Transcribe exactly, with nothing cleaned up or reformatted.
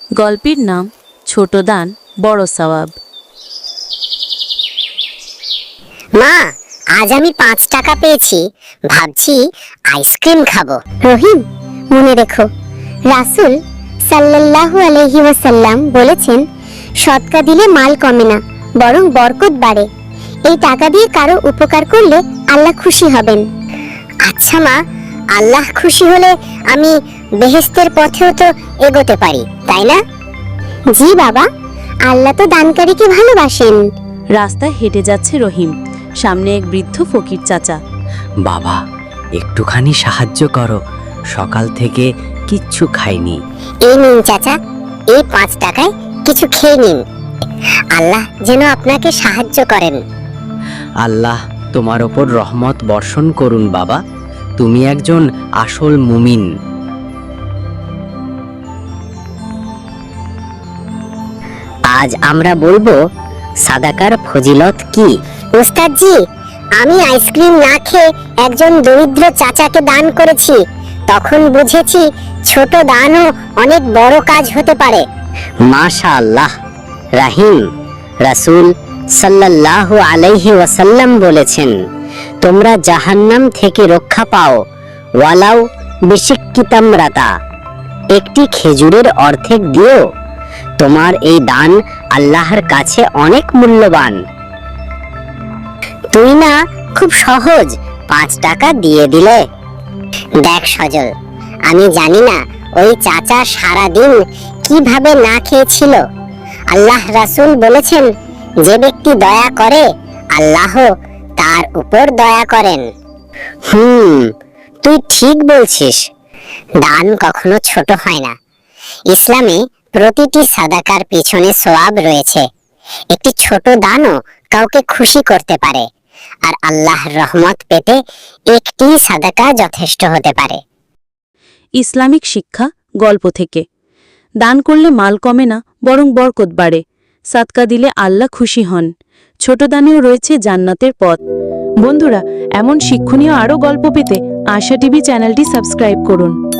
গল্পের নাম ছোট দান বড় সওয়াব। মা, আজ আমি পাঁচ টাকা পেয়েছি, ভাবছি আইসক্রিম খাবো। রহিম, মনে রেখো, রাসূল সাল্লাল্লাহু আলাইহি ওয়াসাল্লাম বলেছেন, সদকা দিলে মাল কমে না, বরং বরকত বাড়ে। এই টাকা দিয়ে কারো উপকার করলে আল্লাহ খুশি হবেন। আচ্ছা মা, আল্লাহ খুশি হলে আমি বেহেশতের পথেও তো এগোতে পারি, তাই না? জি বাবা, আল্লাহ তো দানকারীকে ভালোবাসেন। রাস্তায় হেঁটে যাচ্ছে রহিম, সামনে এক বৃদ্ধ ফকির চাচা। বাবা, একটুখানি সাহায্য করো, সকাল থেকে কিচ্ছু খাইনি। এই নিন চাচা, এই পাঁচ টাকায় কিছু খেয়ে নিন, আল্লাহ যেন আপনাকে সাহায্য করেন। আল্লাহ তোমার ওপর রহমত বর্ষণ করুন বাবা, তুমি একজন আসল মুমিন। আজ আমরা বলবো সাদাকার ফজিলত কি। উস্তাদজি, আমি আইসক্রিম না খেয়ে একজন দরিদ্র চাচাকে দান করেছি, তখন বুঝেছি ছোট দানও অনেক বড় কাজ হতে পারে। মাশাআল্লাহ। রাহিম, রাসূল সাল্লাল্লাহু আলাইহি ওয়াসাল্লাম বলেছেন, তোমরা জাহান্নাম থেকে রক্ষা পাও ওয়ালাউ বিশিক্কি তামরাতা, একটি খেজুরের অর্ধেক দিও। তোমার এই দান আল্লাহর কাছে অনেক মূল্যবান। তুই না খুব সহজ পাঁচ টাকা দিয়ে দিলে। দেখ সজল, আমি জানি না ওই চাচা সারা দিন কিভাবে না খেয়েছিল। আল্লাহ রাসূল বলেছেন, যে ব্যক্তি দয়া করে আল্লাহ তার উপর দয়া করেন। হুম, তুই ঠিক বলছিস। দান কখনো ছোট হয় না। ইসলামে প্রতিটি সাদাকার পিছনে সওয়াব রয়েছে। একটি ছোট দানও কাউকে খুশি করতে পারে, আর আল্লাহর রহমত পেতে একটি সাদাকা যথেষ্ট হতে পারে। ইসলামিক শিক্ষা গল্প থেকে। দান করলে মাল কমে না, বরং বরকত বাড়ে। সাদকা দিলে আল্লাহ খুশি হন। ছোট দানেও রয়েছে জান্নাতের পথ। বন্ধুরা, এমন শিক্ষণীয় আরও গল্প পেতে আশা টিভি চ্যানেলটি সাবস্ক্রাইব করুন।